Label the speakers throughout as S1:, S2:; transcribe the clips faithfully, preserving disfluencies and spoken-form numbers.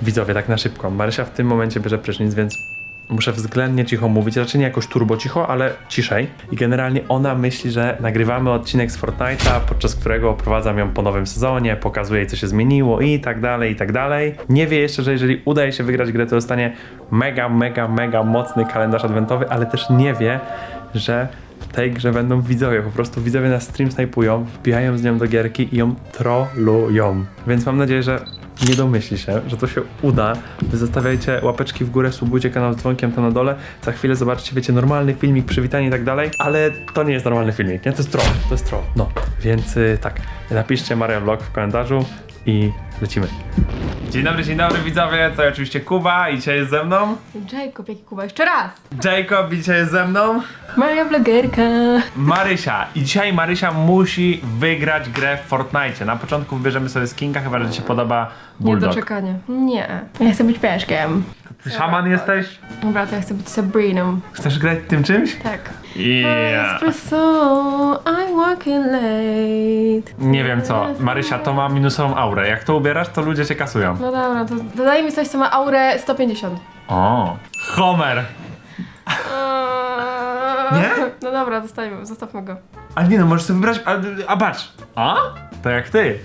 S1: Widzowie, tak na szybko. Marysia w tym momencie bierze prysznic, więc muszę względnie cicho mówić, raczej nie jakoś turbo cicho, ale ciszej. I generalnie ona myśli, że nagrywamy odcinek z Fortnite'a, podczas którego oprowadzam ją po nowym sezonie, pokazuję jej, co się zmieniło i tak dalej, i tak dalej. Nie wie jeszcze, że jeżeli uda jej się wygrać grę, to dostanie mega, mega, mega mocny kalendarz adwentowy, ale też nie wie, że w tej grze będą widzowie, po prostu widzowie na stream snajpują, wbijają z nią do gierki i ją trollują. Więc mam nadzieję, że nie domyśli się, że to się uda. Wy zostawiajcie łapeczki w górę, subujcie kanał z dzwonkiem tam na dole. Za chwilę zobaczycie, wiecie, normalny filmik, przywitanie i tak dalej, ale to nie jest normalny filmik, nie? To jest troll, to jest troll. No, więc yy, tak, napiszcie Marian Vlog w komentarzu i lecimy. Dzień dobry, dzień dobry widzowie, to oczywiście Kuba i dzisiaj jest ze mną
S2: Jacob, jaki Kuba, jeszcze raz!
S1: Jacob i dzisiaj jest ze mną
S2: Maria vlogerka.
S1: Marysia. I dzisiaj Marysia musi wygrać grę w Fortnite. Na początku wybierzemy sobie skinka, chyba że ci się podoba Bulldog.
S2: Niedoczekanie. Nie. Ja chcę być pieszkiem.
S1: Ty szaman jesteś?
S2: Dobra, to ja chcę być Sabriną.
S1: Chcesz grać tym czymś?
S2: Tak.
S1: Yeah.
S2: Espresso, I'm walking late.
S1: Nie wiem co, Marysia, to ma minusową aurę. Jak to ubierasz, to ludzie cię kasują.
S2: No dobra, to dodaj mi coś, co ma aurę sto pięćdziesiąt.
S1: O, Homer. Nie?
S2: No dobra, zostawmy, zostawmy go.
S1: A nie no, możesz sobie wybrać, a, a patrz. A? To jak ty.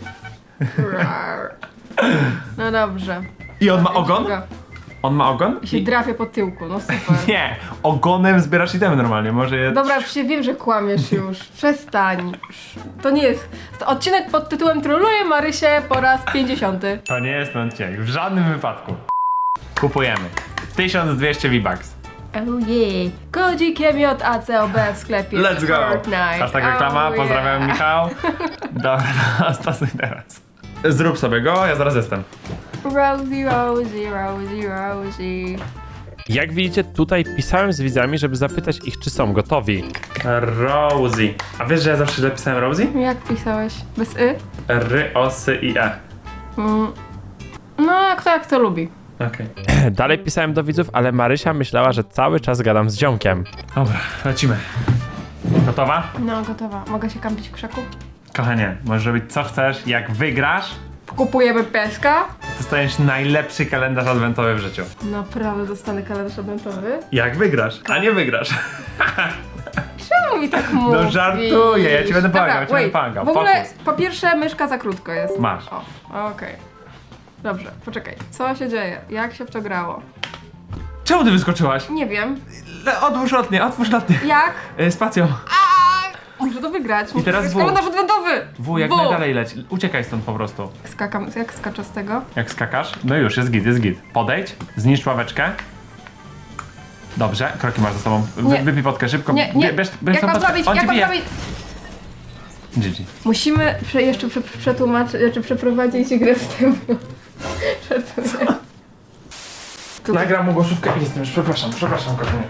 S2: No dobrze.
S1: I on ma ogon? On ma ogon?
S2: I się
S1: I...
S2: drapie po tyłku, no super.
S1: Nie, ogonem zbierasz itemy normalnie, może je...
S2: Dobra, już się wiem, że kłamiesz już. Przestań. To nie jest... To odcinek pod tytułem Trolluję Marysię po raz pięćdziesiąty.
S1: To nie jest ten odcinek, w żadnym wypadku. Kupujemy. tysiąc dwieście V-Bucks.
S2: Oh yeah. Kodzikiem J A C O B w sklepie
S1: Let's go!
S2: Fortnite.
S1: Hashtag reklama,
S2: Oh
S1: pozdrawiam
S2: yeah.
S1: Michał. Dobra, stosuj teraz. Zrób sobie go, ja zaraz jestem.
S2: Rosie, Rosie, Rosie, Rosie.
S1: Jak widzicie, tutaj pisałem z widzami, żeby zapytać ich, czy są gotowi. Rosie. A wiesz, że ja zawsze źle pisałem Rosie?
S2: Jak pisałeś? Bez y?
S1: R, O, S, I, E.
S2: Mm. No, jak to, jak to lubi.
S1: Okej. Okay. Dalej pisałem do widzów, ale Marysia myślała, że cały czas gadam z ziomkiem. Dobra, lecimy. Gotowa?
S2: No, gotowa. Mogę się kampić w krzaku?
S1: Kochanie, możesz robić co chcesz. Jak wygrasz,
S2: Kupujemy pieska.
S1: dostaniesz najlepszy kalendarz adwentowy w życiu.
S2: Naprawdę dostanę kalendarz adwentowy?
S1: Jak wygrasz, a nie wygrasz.
S2: Czemu mi tak mówisz?
S1: No żartuję, ja ci będę pomagał, ja ci będę pomagał.
S2: W ogóle,
S1: Fokus.
S2: po pierwsze, myszka za krótko jest.
S1: Masz.
S2: O, okej. Dobrze, poczekaj. Co się dzieje? Jak się w to grało?
S1: Czemu ty wyskoczyłaś?
S2: Nie wiem.
S1: Le- Otwórz lotnie, otwórz lotnie.
S2: Jak?
S1: E, spacją.
S2: A, muszę to wygrać. Muszę
S1: teraz
S2: wygrać
S1: W.
S2: kalendarz adwentowy!
S1: W, jak
S2: W.
S1: najdalej leć. Uciekaj stąd po prostu.
S2: Skakam, jak skaczę z tego?
S1: Jak skakasz? No już, jest git, jest git. Podejdź, zniszcz ławeczkę. Dobrze, kroki masz za sobą. Wy,
S2: Nie.
S1: wypij potkę, szybko.
S2: Nie, nie.
S1: Bie- Bierz, bierz
S2: Jak
S1: tą
S2: mam
S1: potkę.
S2: zrobić?
S1: On
S2: Jak
S1: ci
S2: mam
S1: bije.
S2: zrobić?
S1: G G.
S2: Musimy prze, jeszcze prze, przetłumaczyć, znaczy przeprowadzić grę z tym. Żartuję.
S1: Nagram mu głosówkę i jestem już. Przepraszam, przepraszam, kochanie.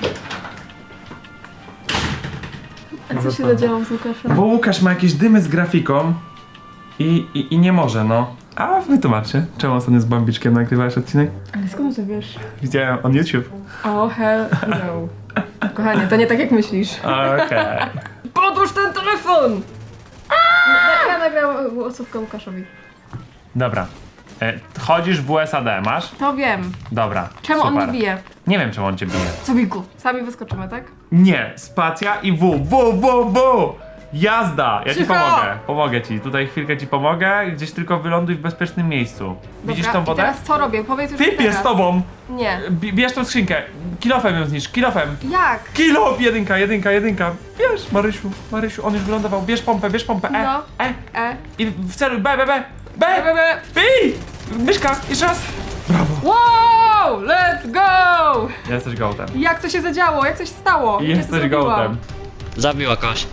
S2: A co się zadziało z Łukaszem?
S1: Bo Łukasz ma jakieś dymy z grafiką i, i, i nie może, no. A wytłumaczcie, czemu ostatnio z Bambiczkiem nagrywałeś odcinek?
S2: Ale skąd to wiesz?
S1: Widziałem on YouTube.
S2: Oh hell no. Kochanie, to nie tak jak myślisz.
S1: Okej.
S2: Podłóż ten telefon! Ja, ja nagrałam głosówkę Łukaszowi.
S1: Dobra. E, chodzisz w W S A D, masz?
S2: To wiem.
S1: Dobra.
S2: Czemu
S1: super.
S2: on mnie bije?
S1: Nie wiem, czemu on cię bije.
S2: Sobiku. Sami wyskoczymy, tak?
S1: Nie, spacja i W. W, W, W! Jazda! Ja ci
S2: Cicho!
S1: pomogę. Pomogę ci. Tutaj chwilkę ci pomogę. Gdzieś tylko wyląduj w bezpiecznym miejscu. Widzisz
S2: Dobra,
S1: tą wodę?
S2: I teraz co robię? Powiedz już
S1: Typ
S2: teraz.
S1: jest z tobą!
S2: Nie.
S1: B- bierz tą skrzynkę. Kilofem ją zniszcz. Kilofem.
S2: Jak?
S1: Kilof! Jedynka, jedynka, jedynka. Bierz, Marysiu. Marysiu, on już wylądował. Bierz pompę, bierz pompę. E,
S2: No.
S1: E.
S2: E.
S1: I w celu B, B, B. B!
S2: Be, be, be.
S1: Bij! Myszka, jeszcze raz. Brawo.
S2: Wow! Let's go!
S1: Jesteś gołtem.
S2: Jak to się zadziało? Jak to się stało? Jak ja to
S1: Jesteś
S2: zrobiłam?
S1: gołtem.
S3: Zabiła kogoś.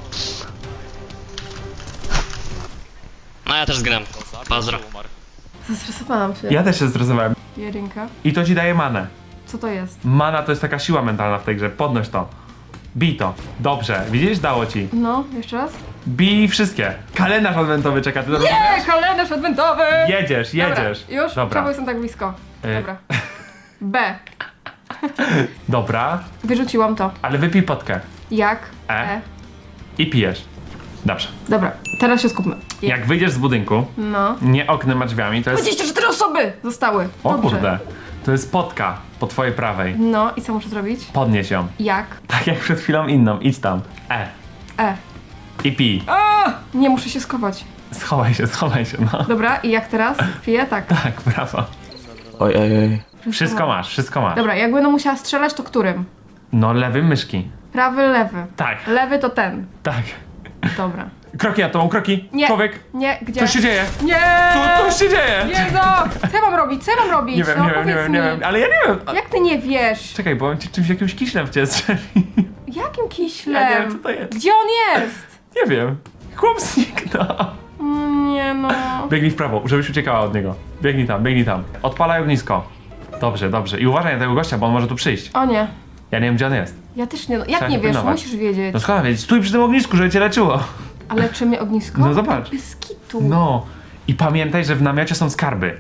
S3: No ja też zgram. Pozdro.
S2: Zestresowałam się.
S1: Ja też się stresowałem.
S2: Jedynka.
S1: I to ci daje manę.
S2: Co to jest?
S1: Mana to jest taka siła mentalna w tej grze. Podnoś to. Bij to. Dobrze. Widzisz? Dało ci.
S2: No, jeszcze raz?
S1: Bij wszystkie. Kalendarz adwentowy czeka. Ty to rozumiesz?
S2: Nie, kalendarz adwentowy!
S1: Jedziesz, jedziesz.
S2: Dobra, już?
S1: Dobra.
S2: Czemu jestem tak blisko?
S1: Y.
S2: Dobra. B.
S1: Dobra.
S2: Wyrzuciłam to.
S1: Ale wypij potkę.
S2: Jak?
S1: E. I pijesz. Dobrze.
S2: Dobra, teraz się skupmy.
S1: Jak wyjdziesz z budynku,
S2: No.
S1: nie oknem, a drzwiami, to jest...
S2: dwadzieścia cztery osoby zostały.
S1: O
S2: Dobrze.
S1: kurde, to jest potka po twojej prawej.
S2: No i co muszę zrobić?
S1: Podnieś ją.
S2: Jak?
S1: Tak jak przed chwilą inną, idź tam. E.
S2: E.
S1: I pij.
S2: A! Nie, muszę się schować.
S1: Schowaj się, schowaj się, no.
S2: Dobra, i jak teraz? Piję? Tak.
S1: Tak, brawo.
S4: Oj, oj, oj.
S1: Wszystko masz, wszystko masz.
S2: Dobra, jak będę musiała strzelać, to którym?
S1: No lewym myszki.
S2: Prawy, lewy.
S1: Tak,
S2: Lewy to ten.
S1: tak.
S2: Dobra.
S1: Kroki na tobą, kroki.
S2: Nie.
S1: Człowiek.
S2: Nie, gdzie?
S1: Co się dzieje?
S2: Nie!
S1: Co, co się dzieje?
S2: Nie no! Co ja mam robić? Co ja mam robić?
S1: Nie wiem,
S2: no,
S1: nie wiem, nie
S2: powiedz
S1: wiem, nie
S2: mi.
S1: wiem, ale ja nie wiem. A-
S2: Jak ty nie wiesz?
S1: Czekaj, bo on ci czymś jakimś kiślem w ciebie strzeli.
S2: Jakim kiślem?
S1: Ja nie wiem, co to jest.
S2: Gdzie on jest?
S1: Nie wiem. Chłop zniknął.
S2: Mm, Nie no.
S1: Biegnij w prawo, żebyś uciekała od niego. Biegnij tam, biegnij tam. Odpalaj ognisko. Dobrze, dobrze. I uważaj na tego gościa, bo on może tu przyjść.
S2: O nie.
S1: Ja nie wiem, gdzie on jest.
S2: Ja też nie. No,
S1: Trzeba
S2: jak nie
S1: się
S2: wiesz?
S1: pilnować.
S2: Musisz wiedzieć.
S1: No skąd wiedzieć? Stój przy tym ognisku, żeby cię leczyło.
S2: Ale czy mnie ognisko?
S1: No zobacz.
S2: Bez kitu.
S1: No. I pamiętaj, że w namiocie są skarby.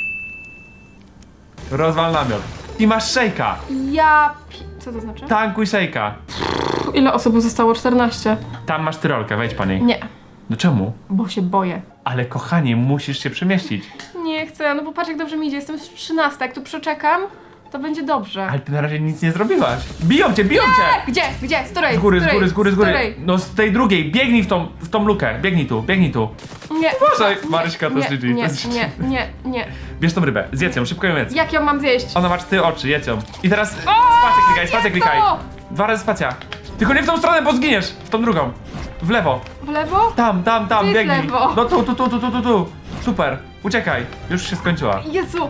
S1: Rozwal namiot. I masz szejka.
S2: Ja pi... Co to znaczy?
S1: Tankuj szejka.
S2: Ile osób zostało? czternaście.
S1: Tam masz tyrolkę, wejdź po niej.
S2: Nie,
S1: No czemu?
S2: bo się boję.
S1: Ale kochanie, musisz się przemieścić.
S2: Nie chcę, no bo patrz jak dobrze mi idzie. Jestem z trzynasta. Jak tu przeczekam, to będzie dobrze.
S1: Ale ty na razie nic nie zrobiłaś. Biją cię, biją cię!
S2: Gdzie? Gdzie? Z której?
S1: Z góry, z
S2: której?
S1: góry, z góry, z góry.
S2: której?
S1: No z tej drugiej, biegnij w tą, w tą lukę. Biegnij tu, biegnij tu.
S2: Nie.
S1: Uważaj,
S2: nie,
S1: Maryśka, to
S2: nie,
S1: jest G G,
S2: Nie,
S1: to jest
S2: nie, nie, nie.
S1: Bierz tą rybę, zjedz ją, szybko ją jedz.
S2: Jak ją mam zjeść?
S1: Ona ma cztery oczy, jedz ją. I teraz spację klikaj, spację
S2: nie
S1: klikaj.
S2: to!
S1: Dwa razy spacja. Tylko nie w tą stronę, bo zginiesz. W tą drugą. W lewo.
S2: W lewo?
S1: Tam, tam, tam,
S2: Gdzie jest
S1: biegnij.
S2: lewo?
S1: No tu, tu, tu, tu, tu, tu, tu. Super, uciekaj. Już się skończyła.
S2: Jezu.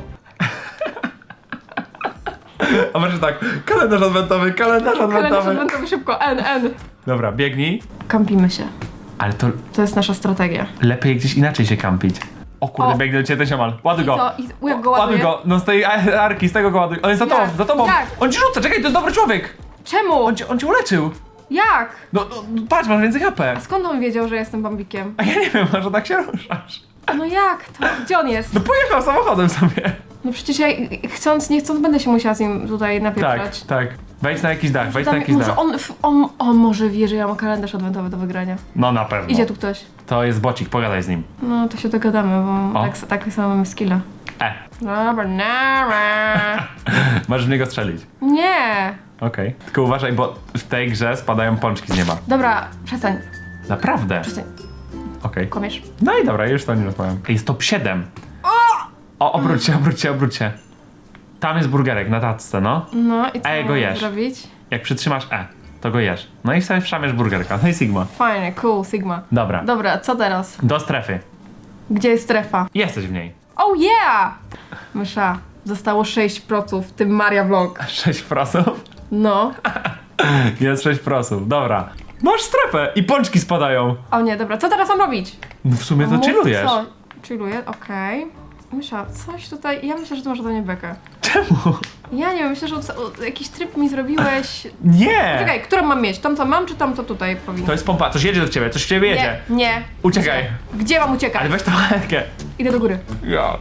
S1: A może tak, kalendarz adwentowy, kalendarz
S2: Kalendarz
S1: adwentowy.
S2: adwentowy szybko. N, N.
S1: Dobra, biegnij.
S2: Kampimy się.
S1: Ale to
S2: To jest nasza strategia.
S1: lepiej gdzieś inaczej się kampić. O kurde,
S2: O.
S1: biegnę do ciebie ten ziomal. Ładuj
S2: I
S1: go.
S2: co? I jak go
S1: Ładuj
S2: ładuję?
S1: go, no z tej a- arki, z tego go ładuj. On jest za
S2: Jak?
S1: tobą, za tobą.
S2: Jak?
S1: On ci rzuca, czekaj, to jest dobry człowiek.
S2: Czemu?
S1: On cię, on cię uleczył.
S2: Jak?
S1: No, no patrz, masz więcej H P.
S2: Skąd on wiedział, że jestem bambikiem?
S1: A ja nie wiem, może tak się ruszasz.
S2: No jak to? Gdzie on jest?
S1: No pojechał samochodem sobie.
S2: No przecież ja chcąc, nie chcąc będę się musiała z nim tutaj
S1: Tak,
S2: napieprzać.
S1: tak. Wejdź na jakiś dach, wejdź na
S2: Tam-
S1: jakiś
S2: może
S1: dach.
S2: on, f- on, on może wie, że ja mam kalendarz adwentowy do wygrania.
S1: No na pewno.
S2: Idzie tu ktoś.
S1: To jest bocik, pogadaj z nim.
S2: No to się dogadamy, bo
S1: O.
S2: tak, tak samo mamy skilla.
S1: E,
S2: Dobra, nara.
S1: możesz w niego strzelić.
S2: Nie.
S1: Okej. Tylko uważaj, bo w tej grze spadają pączki z nieba.
S2: Dobra, przestań,
S1: Naprawdę.
S2: przestań.
S1: Okej.
S2: Kłamiesz.
S1: No i dobra, już to nie rozmawiam. Jest top siedem. O, obróć się, obróć się, obróć się. Tam jest burgerek na tacce, no.
S2: No i co
S1: Ej, go
S2: mam
S1: jesz.
S2: zrobić?
S1: Jak przytrzymasz E, to go jesz. No i sobie wszamiesz burgerka. No i Sigma.
S2: Fajnie, cool, Sigma.
S1: Dobra.
S2: Dobra, co teraz?
S1: Do strefy.
S2: Gdzie jest strefa?
S1: Jesteś w niej.
S2: Oh yeah! Mysza, zostało sześć procent, w tym Maria Vlog.
S1: sześć prosów.
S2: No.
S1: Jest sześć prosów. Dobra. Masz strefę i pączki spadają.
S2: O nie, dobra, co teraz mam robić?
S1: No w sumie to
S2: Mów,
S1: chillujesz.
S2: Co? Chilluję, okej. Mysza, coś tutaj, ja myślę, że ty masz do mnie bekę.
S1: Czemu?
S2: Ja nie wiem, myślę, że o- o- jakiś tryb mi zrobiłeś.
S1: Nie!
S2: Czekaj, którą mam mieć? Tą co mam, czy tam co tutaj powinno?
S1: To jest pompa, coś jedzie do ciebie, coś w ciebie jedzie.
S2: Nie, nie.
S1: Uciekaj.
S2: Gdzie mam uciekać?
S1: Ale weź tą rękę.
S2: Idę do góry.
S1: Ja.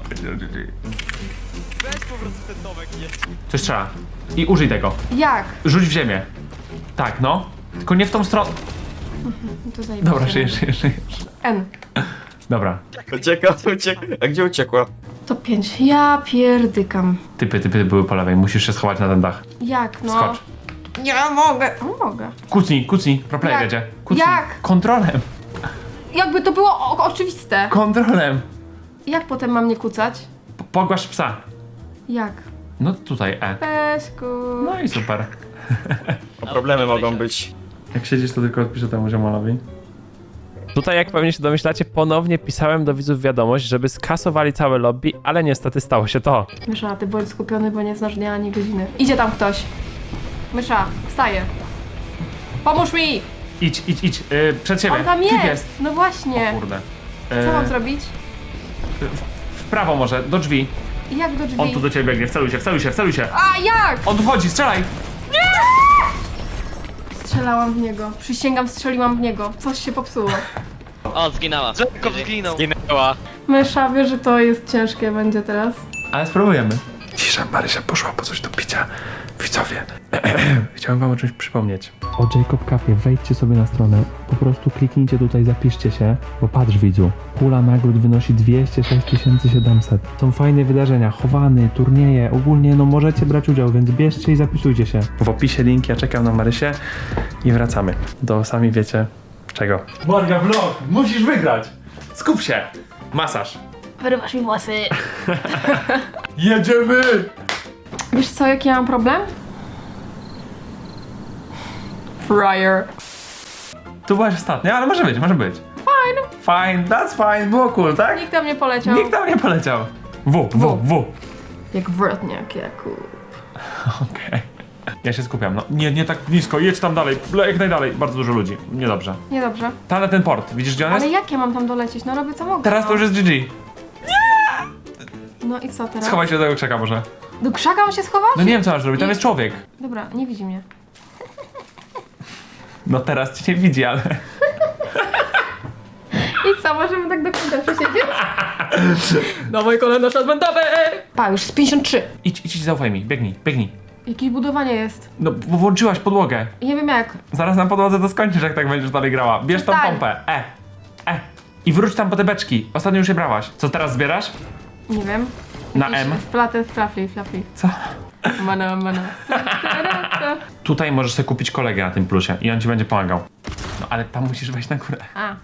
S1: Coś trzeba. I użyj tego.
S2: Jak?
S1: Rzuć w ziemię. Tak, no. Tylko nie w tą stronę.
S2: No to zajebiście.
S1: Dobra, żyjesz, żyjesz, żyjesz.
S2: N.
S1: Dobra.
S4: Ucieka, ucieka. A gdzie uciekła?
S2: To pięć. Ja pierdykam.
S1: Typy, typy były po lewej. Musisz się schować na ten dach.
S2: Jak, no?
S1: Skocz.
S2: Nie mogę. No mogę.
S1: Kucnij, kucnij. Proplay
S2: Jak?
S1: jedzie. Kucnij.
S2: Jak?
S1: Kontrolem.
S2: Jakby to było o- oczywiste.
S1: Kontrolem.
S2: Jak potem mam nie kucać?
S1: P- Pogłasz psa.
S2: Jak?
S1: No tutaj E.
S2: Pesku.
S1: No i super.
S4: Problemy mogą być.
S1: Jak siedzisz, to tylko odpiszę temu ziomalowi.
S5: Tutaj, jak pewnie się domyślacie, ponownie pisałem do widzów wiadomość, żeby skasowali całe lobby, ale niestety stało się to.
S2: Mysza, ty bądź skupiony, bo nie znasz dnia ani godziny. Idzie tam ktoś. Mysza, wstaje. Pomóż mi!
S1: Idź, idź, idź. Yy, przed siebie.
S2: On tam
S1: Typ
S2: jest.
S1: jest.
S2: No właśnie.
S1: Kurde.
S2: Co
S1: Yy,
S2: mam zrobić?
S1: w prawo może, do drzwi.
S2: Jak do drzwi?
S1: On tu do ciebie biegnie. Wceluj się, wceluj się, wceluj się.
S2: A jak?
S1: On tu wchodzi, strzelaj.
S2: Strzelałam w niego. Przysięgam, strzeliłam w niego. Coś się popsuło.
S3: O, zginęła.
S6: Tylko zginął.
S3: Zginęła.
S2: Mysza, wie, że to jest ciężkie będzie teraz.
S1: Ale spróbujemy. Cisza, Marysia poszła po coś do picia. Widzowie, chciałem wam o czymś przypomnieć. O Jacob Café, wejdźcie sobie na stronę, po prostu kliknijcie tutaj, zapiszcie się, bo patrz widzu, pula nagród wynosi dwieście sześć tysięcy siedemset. Są fajne wydarzenia, chowany, turnieje, ogólnie no możecie brać udział, więc bierzcie i zapisujcie się. W opisie link, ja czekam na Marysię i wracamy do sami wiecie czego. Morga vlog, musisz wygrać! Skup się! Masaż.
S2: Wyrywasz mi włosy.
S1: Jedziemy!
S2: Wiesz co, jaki ja mam problem? Fryer.
S1: Tu byłaś ostatnia, ale może być, może być.
S2: Fine.
S1: Fine, that's fine, było cool, tak?
S2: Nikt tam nie poleciał.
S1: Nikt tam nie poleciał. W, w, w.
S2: Jak wrotniak, Jakub.
S1: Okej. Ja się skupiam, no. Nie, nie tak blisko, jedź tam dalej, le- jak najdalej. Bardzo dużo ludzi, niedobrze.
S2: Niedobrze.
S1: Tam na ten port, widzisz gdzie on jest?
S2: Ale jak ja mam tam dolecieć? No robię co mogę.
S1: Teraz to już jest G G.
S2: No i co teraz?
S1: Schowaj się do tego krzaka może.
S2: Do krzaka mam się schować?
S1: No nie wiem co masz robić, tam
S2: Nie.
S1: jest człowiek.
S2: Dobra, nie widzi mnie.
S1: No teraz cię nie widzi, ale...
S2: I co, możemy tak do końca przesiedzieć? Dawaj kalendarz adwentowy! Pa, już z pięćdziesiąt trzy.
S1: Idź, idź, zaufaj mi, biegnij, biegnij.
S2: Jakieś budowanie jest.
S1: No, bo włączyłaś podłogę.
S2: I nie wiem jak.
S1: Zaraz na podłodze to skończysz, jak tak będziesz dalej grała. Bierz tą
S2: Przestań.
S1: pompę, e, e. I wróć tam po te beczki. Ostatnio już je brałaś. Co teraz zbierasz?
S2: Nie wiem.
S1: Na
S2: Jakieś
S1: M?
S2: Flatę, flafli, flafli.
S1: Co?
S2: Mana, mana.
S1: Tutaj możesz sobie kupić kolegę na tym plusie i on ci będzie pomagał. No ale tam musisz wejść na górę.
S2: A.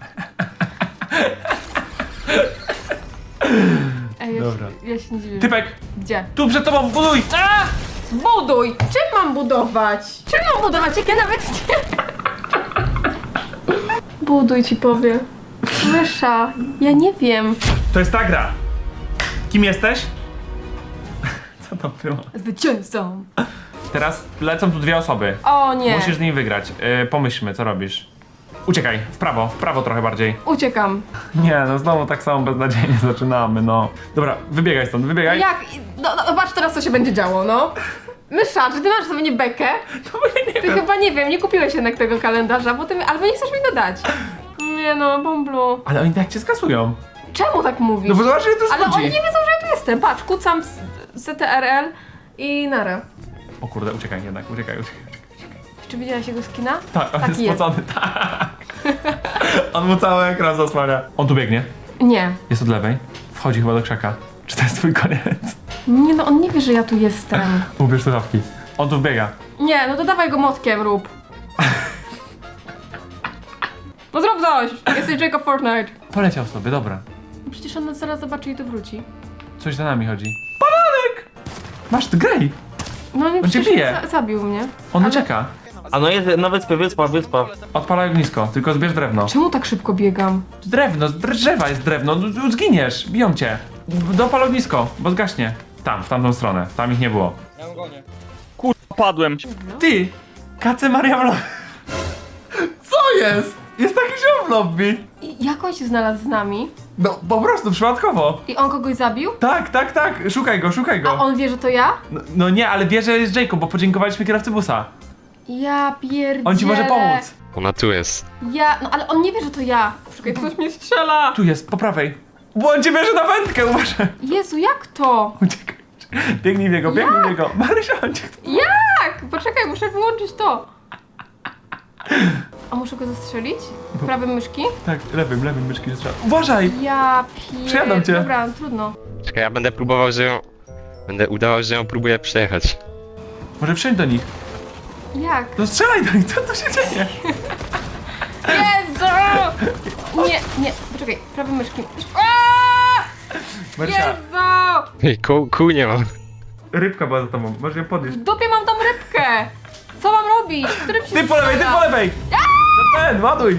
S2: Ej, ja,
S1: Dobra.
S2: Ja się nie dziwię.
S1: Typek,
S2: Gdzie?
S1: tu przed tobą, buduj!
S2: A! Buduj! Czym mam budować? Czym mam budować? Jak ja nawet nie... Buduj ci powiem. Mysza, ja nie wiem.
S1: To jest ta gra. Kim jesteś? Co to było?
S2: Zwycięzcą.
S1: Teraz lecą tu dwie osoby.
S2: O nie.
S1: Musisz z nimi wygrać. Yy, pomyślmy, co robisz. Uciekaj, w prawo, w prawo trochę bardziej.
S2: Uciekam.
S1: Nie, no znowu tak samo beznadziejnie zaczynamy, no. Dobra, wybiegaj stąd, wybiegaj.
S2: Jak? No, no patrz teraz co się będzie działo, no. Mysza, czy ty masz sobie nie bekę?
S1: No bo ja nie
S2: Ty
S1: wiem.
S2: chyba nie wiem, nie kupiłeś jednak tego kalendarza, bo ty mi... albo nie chcesz mi dodać. Nie no, Bomblu.
S1: Ale oni tak cię skasują.
S2: Czemu tak mówisz?
S1: No bo zobacz, że to
S2: Ale
S1: schodzi.
S2: oni nie wiedzą, że ja tu jestem. Patrz, kucam z C T R L i nara.
S1: O kurde, uciekaj jednak, uciekaj, uciekaj.
S2: Czy widziałaś jego skina?
S1: Tak, on
S2: Taki
S1: jest spocony, tak. On mu cały ekran zasłania. On tu biegnie.
S2: Nie.
S1: Jest od lewej. Wchodzi chyba do krzaka. Czy to jest twój koniec?
S2: Nie no, on nie wie, że ja tu jestem.
S1: Ubierz słuchawki. On tu wbiega.
S2: Nie, no to dawaj go motkiem, rób. No zrób coś! Jesteś Jacob Fortnite.
S1: Poleciał sobie, dobra.
S2: Przecież on nas zaraz zobaczy i tu wróci.
S1: Coś za nami chodzi. Bananek! Masz, ty graj!
S2: No nie,
S1: On cię
S2: przecież
S1: bije.
S2: za zabił mnie.
S1: On
S2: Ale
S1: ucieka.
S4: A no jest na wyspie, wyspa, wyspa.
S1: Odpalaj ognisko, tylko zbierz drewno.
S2: Czemu tak szybko biegam?
S1: Drewno, z drzewa jest drewno, no, no, zginiesz, biją cię. Dopal ognisko, bo zgaśnie. Tam, w tamtą stronę, tam ich nie było.
S4: Padłem.
S1: Ty! Kace Maria w lobby. Co jest? Jest taki ziom w lobby.
S2: I jak on się znalazł z nami?
S1: No, po prostu, przypadkowo.
S2: I on kogoś zabił?
S1: Tak, tak, tak, szukaj go, szukaj
S2: A
S1: go.
S2: on wie, że to ja?
S1: No, no nie, ale wie, że jest Jacob, bo podziękowaliśmy kierowcy busa.
S2: Ja pierdzielę.
S1: On ci może pomóc.
S3: Ona tu jest.
S2: Ja, no ale on nie wie, że to ja. Czekaj, ktoś mnie strzela.
S1: Tu jest, po prawej. Bo on cię bierze na wędkę, uważaj.
S2: Jezu, jak to?
S1: Uciekaj. Biegnij w niego, biegnij w niego. Marysia, on cię chce.
S2: Jak? Poczekaj, muszę wyłączyć to. A muszę go zastrzelić? Prawym myszki?
S1: Tak, lewym, lewym myszki strzał. Uważaj!
S2: Ja pier...
S1: Przejadą cię.
S2: Dobra, trudno.
S3: Czekaj, ja będę próbował, że ją... Będę udawał, że ją próbuję przejechać.
S1: Może wsiądź do nich.
S2: Jak?
S1: No strzelaj do nich, co tu się dzieje?
S2: Jezu! Nie, nie, poczekaj, prawym myszki. Aaaa!
S1: Marysia,
S2: Jezu!
S3: Ej, kół, kół nie mam.
S1: rybka była za tobą, możesz ją podnieść.
S2: W dupie mam tą rybkę! Co mam robić? Którym się
S1: Ty po lewej, ty
S2: strzela?
S1: po lewej! Za ten, ładuj!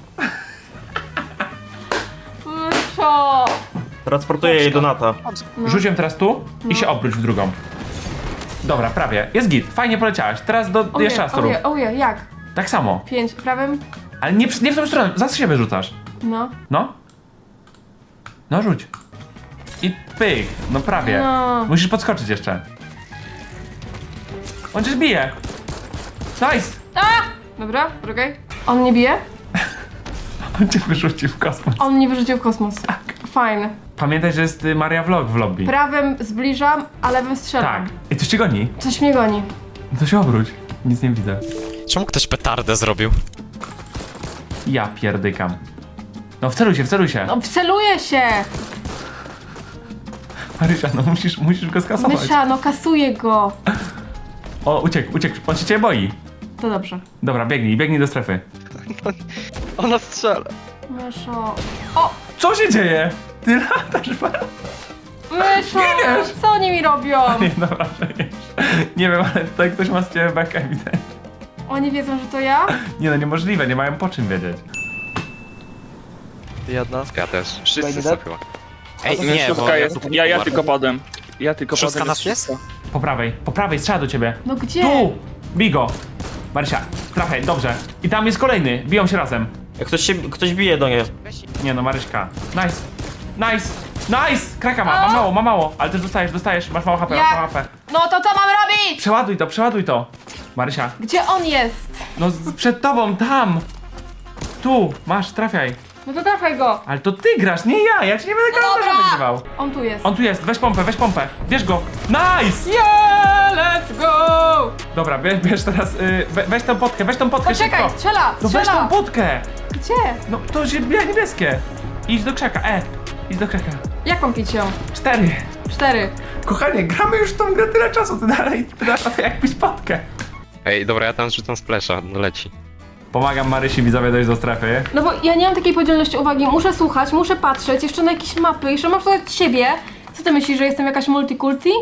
S2: Myszo!
S4: Transportuję jej do Nata.
S2: No.
S1: Rzuć ją teraz tu i się obróć w drugą. Dobra, prawie. Jest git, fajnie poleciałaś. Teraz do
S2: Oje,
S1: jeszcze raz to rób.
S2: oje, oje, jak?
S1: Tak samo.
S2: Pięć, prawym?
S1: Ale nie, w- nie w tą stronę, za siebie rzucasz.
S2: No.
S1: No. No rzuć. I pyk, no prawie.
S2: No.
S1: Musisz podskoczyć jeszcze. On cię zbije. Nice!
S2: A! Dobra, poczekaj. On nie bije?
S1: On cię wyrzucił w kosmos.
S2: On mnie wyrzucił w kosmos. Fajne.
S1: Pamiętaj, że jest y, Maria Vlog w lobby.
S2: Prawym zbliżam, a lewym strzelam.
S1: Tak. I coś cię goni.
S2: Coś mnie goni.
S1: To się obróć. Nic nie widzę.
S6: Czemu ktoś petardę zrobił?
S1: Ja pierdykam. No wceluj się, wceluj się.
S2: No wceluję się!
S1: Marysia, no musisz, musisz go skasować.
S2: Mysza, no kasuję go.
S1: O, uciekł, uciekł. On się ciebie boi.
S2: To dobrze.
S1: Dobra, biegnij, biegnij do strefy.
S3: Ona strzela.
S2: Myszo. O!
S1: Co się dzieje? Ty latasz,
S2: Myszo!
S1: Giniesz!
S2: Co oni mi robią?
S1: Nie, dobra, przecież. Nie wiem, ale tutaj ktoś ma z ciebie bekę ewidentnie.
S2: Oni wiedzą, że to ja?
S1: Nie no, niemożliwe, nie mają po czym wiedzieć.
S3: Jedna. Ja też. Wszyscy są chyba.
S6: Ej, nie, bo ja, tu
S4: Ja, ja tylko padłem. Ja tylko
S6: Szóstka
S4: padłem.
S6: nas jest?
S1: Po prawej, po prawej, strzela do ciebie.
S2: No gdzie?
S1: Tu! Bij go! Marysia, trafiaj, dobrze. I tam jest kolejny, biją się razem.
S4: Jak ktoś się, ktoś bije do niej.
S1: Nie no, Maryśka. Nice! Nice! Nice! Kraka ma, ma mało, ma mało. Ale też dostajesz, dostajesz, masz mało H P,
S2: Jak?
S1: masz mało H P.
S2: No to co mam robić?
S1: Przeładuj to, przeładuj to. Marysia,
S2: Gdzie on jest?
S1: no z- przed tobą, tam! Tu, masz, trafiaj.
S2: No to trafiaj go.
S1: Ale to ty grasz, nie ja, ja ci nie będę
S2: No
S1: kalendarza
S2: dobra.
S1: wygrywał.
S2: On tu jest.
S1: On tu jest, weź pompę, weź pompę, bierz go. Nice!
S2: Yeah, let's go!
S1: Dobra, bierz, bierz teraz, y, we, weź tą potkę, weź tą potkę
S2: Poczekaj,
S1: szybko.
S2: strzela,
S1: No weź tą
S2: strzela.
S1: potkę.
S2: Gdzie?
S1: No to się bie- niebieskie. Idź do krzaka, e, idź do krzaka.
S2: Jak mam pić ją?
S1: Cztery.
S2: Cztery.
S1: Kochanie, gramy już w tą grę tyle czasu, ty dalej, ty dasz na to jakbyś potkę.
S3: Ej, dobra, ja tam rzucam splasha, no leci.
S1: Pomagam Marysi, widzowie, dojść do strefy.
S2: No bo ja nie mam takiej podzielności uwagi. Muszę słuchać, muszę patrzeć, jeszcze na jakieś mapy, jeszcze mam słuchać siebie. Co ty myślisz, że jestem jakaś multikulti?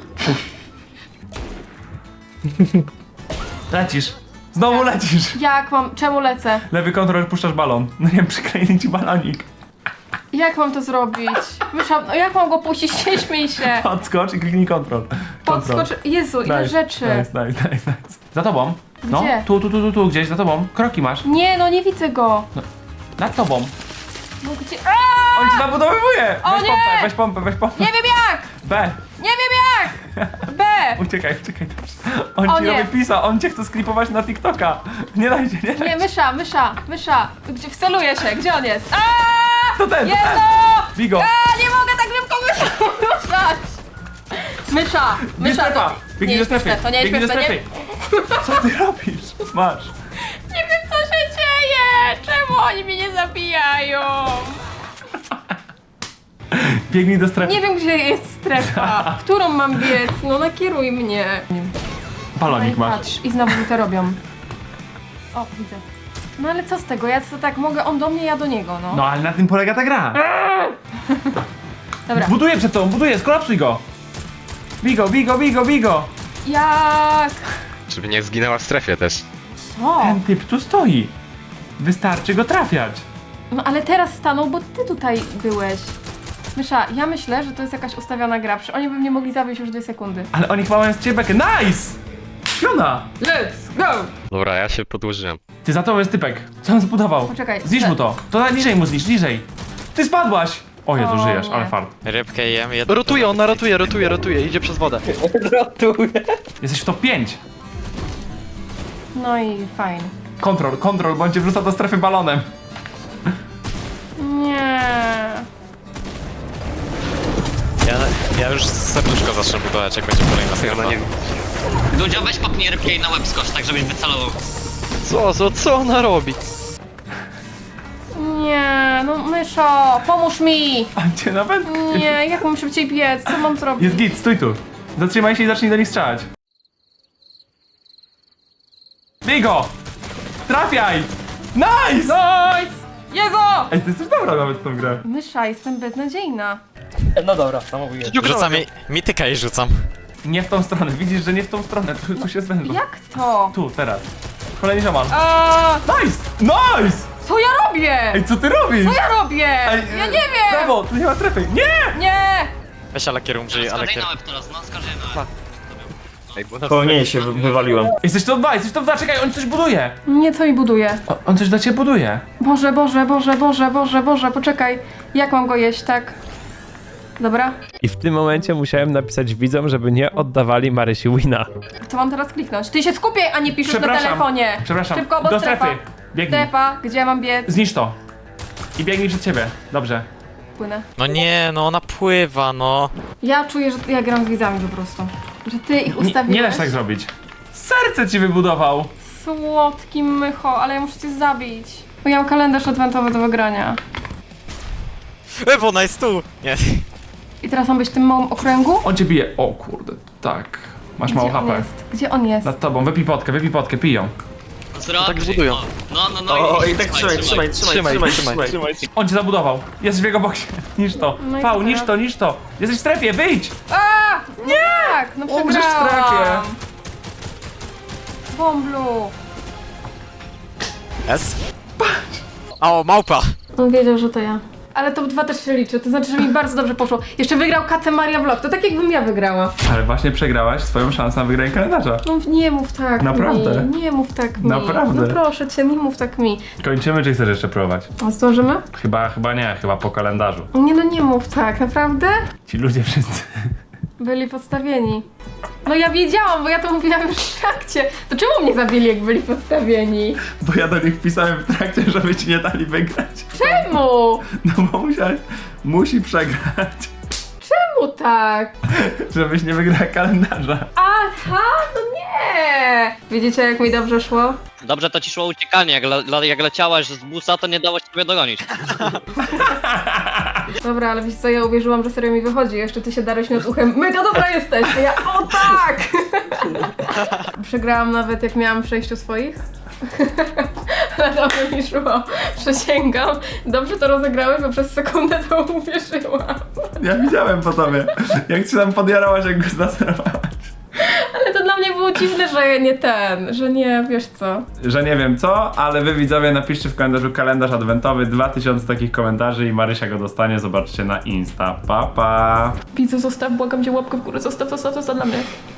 S1: Lecisz. Znowu lecisz.
S2: Jak mam, czemu lecę?
S1: Lewy kontrol, puszczasz balon. No nie wiem, przyklejny ci balonik.
S2: Jak mam to zrobić? Myślałam, no jak mam go puścić? Nie śmiej się.
S1: Podskocz i kliknij kontrol. Kontrol.
S2: Podskocz. Jezu, ile
S1: Nice,
S2: rzeczy.
S1: Nice, nice, nice, nice. Za tobą. No,
S2: Gdzie?
S1: tu, tu, tu, tu, tu, gdzieś za tobą. Kroki masz.
S2: Nie, no nie widzę go.
S1: Nad tobą.
S2: No gdzie? Aaaa!
S1: On ci zabudowywuje!
S2: O
S1: Weź
S2: nie!
S1: pompę, weź pompę, weź pompę.
S2: Nie wiem jak!
S1: B.
S2: Nie wiem jak! B!
S1: Uciekaj, uciekaj też. On
S2: O
S1: ci
S2: nie.
S1: robi pisa, on cię chce sklipować na TikToka. Nie dajcie, nie
S2: Nie,
S1: dajcie.
S2: mysza, mysza, mysza. Gdzie wceluję się? Gdzie on jest? Aaaa!
S1: To ten, to ten.
S2: Jezu!
S1: Bigo.
S2: A, nie mogę tak szybko myszą ruszać! Mysza,
S1: Bierz
S2: mysza.
S1: strefa.
S2: To
S1: Biegnij
S2: nie
S1: do
S2: jest
S1: strefy.
S2: śmieszne, to nie jest
S1: Biegnij do
S2: śmieszne,
S1: strefy. Co ty robisz? Masz.
S2: Nie wiem co się dzieje! Czemu oni mnie nie zabijają?
S1: Biegnij do strefy.
S2: Nie wiem gdzie jest strefa. Którą mam biec? No nakieruj mnie.
S1: Balonik
S2: No i
S1: masz.
S2: patrz, i znowu to robią. O, widzę. No ale co z tego? Ja to tak mogę, on do mnie, ja do niego, no.
S1: No ale na tym polega ta gra.
S2: Dobra.
S1: Buduję przed tobą, buduję, skolapsuj go. Bigo, bigo, bigo, bigo.
S2: Jak?
S3: Żeby nie zginęła w strefie też.
S2: Co?
S1: Ten typ tu stoi. Wystarczy go trafiać.
S2: No ale teraz stanął, bo ty tutaj byłeś. Mysza, ja myślę, że to jest jakaś ustawiona gra, przecież oni by mnie mogli zabić już dwie sekundy.
S1: Ale oni chyba mają z ciebie bekę. Nice! Piona!
S2: Let's go!
S3: Dobra, ja się podłożyłem.
S1: Ty, za tobą jest typek. Co on zbudował?
S2: Poczekaj,
S1: Zniszcz
S2: te-
S1: mu to. To na niżej mu zniszcz, niżej. Ty spadłaś! O Jezu,
S2: O
S1: żyjesz,
S2: nie.
S1: ale fart.
S6: Rybkę jem, jedno.
S7: Rotuje, ona rotuje, rotuje, rotuje, idzie przez wodę.
S1: Jesteś w top pięć.
S2: No i fajnie.
S1: Kontrol, kontrol, bądź cię wrzuca do strefy balonem.
S2: Nie.
S6: Ja, ja już serduszko zacznę budować, jak będzie kolejna strefa.
S8: Ludzio, weź popnij rybkę i na łeb skocz, tak żebyś wycelował.
S7: Co, co, co ona robi?
S2: Nie, no myszo, pomóż mi!
S1: On cię nawet...
S2: Nie, jak mam szybciej biec? Co mam zrobić?
S1: Jest git, stój tu. Zatrzymaj się i zacznij do nich strzelać. Bigo! Trafiaj! Nice!
S2: Nice! Jezu!
S1: Ej, ty jesteś dobra nawet w tą grę.
S2: Mysza, jestem beznadziejna.
S4: No dobra, samobuję.
S6: Rzucam mi, mityka i rzucam.
S1: Nie w tą stronę, widzisz, że nie w tą stronę. Tu, tu się zwężą.
S2: Jak to?
S1: Tu, teraz. Kolejny ziomal.
S2: A,
S1: Nice! Nice!
S2: co ja robię?
S1: Ej, co ty robisz?
S2: Co ja robię?
S1: Ej,
S2: Ja
S1: e,
S2: nie wiem!
S1: Prawo, tu nie ma strefy. Nie!
S2: Nie!
S6: Weź Alakier umrzyj,
S8: Skocz
S6: Alakier.
S8: na łeb teraz, no skocz na łeb.
S3: Ej, bo na
S4: Koło niej się wy- wywaliłem.
S1: Jesteś top dwa, jesteś top dwa, czekaj, on coś buduje.
S2: Nie, co mi buduje?
S1: O, on coś dla ciebie buduje.
S2: Boże, Boże, Boże, Boże, Boże, Boże, poczekaj. Jak mam go jeść, tak? Dobra.
S5: I w tym momencie musiałem napisać widzom, żeby nie oddawali Marysi wina.
S2: Co mam teraz kliknąć? Ty się skupiaj, a nie piszesz na
S1: Przepraszam.
S2: telefonie.
S1: Przepraszam,
S2: Szybko, bo
S1: do
S2: strefa.
S1: strefy. Biegnij.
S2: Strefa, gdzie mam biec?
S1: Zniszcz to. I biegnij przed ciebie. Dobrze.
S2: płynę.
S6: No nie, no ona pływa, no.
S2: Ja czuję, że ja gram z widzami po prostu. Że ty ich
S1: Nie,
S2: ustawiłeś.
S1: nie da się tak zrobić. Serce ci wybudował.
S2: Słodki mycho, ale ja muszę cię zabić. Bo ja mam kalendarz adwentowy do wygrania.
S6: E, bo ona jest tu! Nie.
S2: I teraz mam być w tym małym okręgu?
S1: On cię bije. O kurde, tak. Masz mało
S2: Gdzie on
S1: H P.
S2: jest? Gdzie on jest?
S1: Nad tobą, wypij potkę, wypij potkę, piją.
S8: Zrobię.
S7: Tak budują.
S8: O, No, no, no
S4: O,
S8: i,
S4: i tak trzymaj, trzymaj, trzymaj, trzymaj, trzymaj, trzymaj.
S1: On cię zabudował. Jest w jego boksie. Niż to.
S2: No i
S1: Pał,
S2: co
S1: niż
S2: teraz?
S1: to, niż to. Jesteś w strefie, wyjdź!
S2: A! Nie! Tak, no
S1: Umrzesz w
S2: przegrałam.
S1: strefie.
S2: Bomblu.
S6: S? O, małpa!
S2: On wiedział, że to ja. Ale top dwa też się liczy, to znaczy, że mi bardzo dobrze poszło. Jeszcze wygrał Kace Maria Vlog, to tak jakbym ja wygrała.
S1: Ale właśnie przegrałaś swoją szansę na wygranie kalendarza.
S2: No nie mów tak
S1: Naprawdę?
S2: mi, nie mów tak mi.
S1: Naprawdę?
S2: No proszę cię, nie mów tak mi.
S1: Kończymy, czy chcesz jeszcze próbować?
S2: A zdążymy?
S1: Chyba, chyba nie, chyba po kalendarzu.
S2: Nie no, nie mów tak, naprawdę?
S1: Ci ludzie wszyscy.
S2: Byli podstawieni. No ja wiedziałam, bo ja to mówiłam już w trakcie. To czemu mnie zabili, jak byli podstawieni?
S1: Bo ja do nich pisałem w trakcie, żeby ci nie dali wygrać.
S2: Czemu?
S1: No bo musiałeś, musi przegrać,
S2: Czemu tak?
S1: żebyś nie wygrała kalendarza.
S2: Aha, no nie! Widzicie, jak mi dobrze szło?
S8: Dobrze to ci szło uciekanie, jak, le, le, jak leciałaś z busa, to nie dało się ciebie dogonić.
S2: Dobra, ale wiesz co, ja uwierzyłam, że serio mi wychodzi. Jeszcze ty się darłeś mi od uchem. Mega dobra jesteś! A ja, o tak! Przegrałam nawet jak miałam w sześciu swoich. Ale dobrze mi szło. Przysięgam. Dobrze to rozegrałeś, bo przez sekundę to uwierzyłam.
S1: Ja widziałem po tobie, jak ci tam podjarałaś, jak go zlaserowałaś.
S2: Ale to dla mnie było dziwne, że nie ten, że nie, wiesz co.
S1: Że nie wiem co, ale wy widzowie napiszcie w kalendarzu kalendarz adwentowy, dwa tysiące takich komentarzy i Marysia go dostanie, zobaczcie na Insta. Pa, pa!
S2: Widzu, zostaw, błagam cię, łapkę w górę, zostaw, zostaw, zostaw dla mnie.